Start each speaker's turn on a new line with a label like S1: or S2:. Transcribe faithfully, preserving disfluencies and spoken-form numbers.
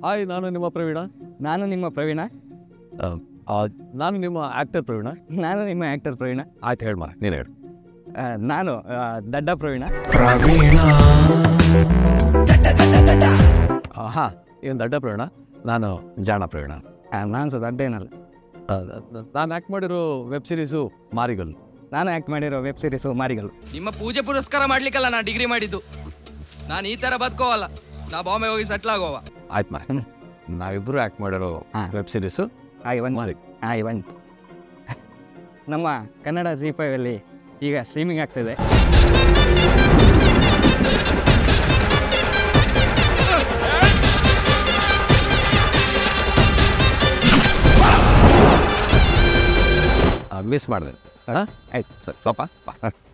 S1: Hi, ನಾನು ನಿಮ್ಮ ಪ್ರವೀಣ.
S2: ನಾನು ನಿಮ್ಮ ಪ್ರವೀಣ.
S1: ಆ, ನಾನು ನಿಮ್ಮ ಆ್ಯಕ್ಟರ್ ಪ್ರವೀಣ.
S2: ನಾನು ನಿಮ್ಮ ಆ್ಯಕ್ಟರ್ ಪ್ರವೀಣ.
S1: ಆಯ್ತು, ಹೇಳಿ ಮಾರ, ನೀನು ಹೇಳು.
S2: ಆ, ನಾನು ಆ, ದಡ್ಡ ಪ್ರವೀಣ.
S1: ಹಾಂ, ಏನು ದಡ್ಡ ಪ್ರವೀಣ, ನಾನು ಜಾಣ ಪ್ರವೀಣ.
S2: ಆ, ನಾನು ಸೊ ದಡ್ಡ ಏನಲ್ಲ.
S1: ನಾನು ಆ್ಯಕ್ಟ್ ಮಾಡಿರೋ ವೆಬ್ ಸೀರೀಸು ಮಾರಿಗಲ್ಲು.
S2: ನಾನು ಆ್ಯಕ್ಟ್ ಮಾಡಿರೋ ವೆಬ್ ಸೀರೀಸು ಮಾರಿಗಳು.
S3: ನಿಮ್ಮ ಪೂಜೆ ಪುರಸ್ಕಾರ ಮಾಡ್ಲಿಕ್ಕಲ್ಲ ನಾ ಡಿಗ್ರಿ ಮಾಡಿದ್ದು. ನಾನು ಈ ಥರ ಬದುಕೋವಲ್ಲ, ನಾ ಬಾಂಬೆ ಹೋಗಿ ಸೆಟ್ಲ್ ಆಗೋವ.
S1: ಆಯ್ತು ಮಾರ, ನಾವಿಬ್ಬರು ಆ್ಯಕ್ಟ್ ಮಾಡಿರೋ
S2: ಹಾಂ.
S1: ವೆಬ್ ಸೀರೀಸು
S2: ಹಾಗೆ ಒಂದು
S1: ಮಾರಿ.
S2: ಹಾಗೆ ಒಂದು ನಮ್ಮ ಕನ್ನಡ ಜಿ ಫೈವಲ್ಲಿ ಈಗ ಸ್ಟ್ರೀಮಿಂಗ್ ಆಗ್ತಿದೆ.
S1: ಮಿಸ್ ಮಾಡಿದೆ. ಹಾಂ, ಆಯ್ತು ಸರ್, ಸ್ವಲ್ಪ ಬಾ.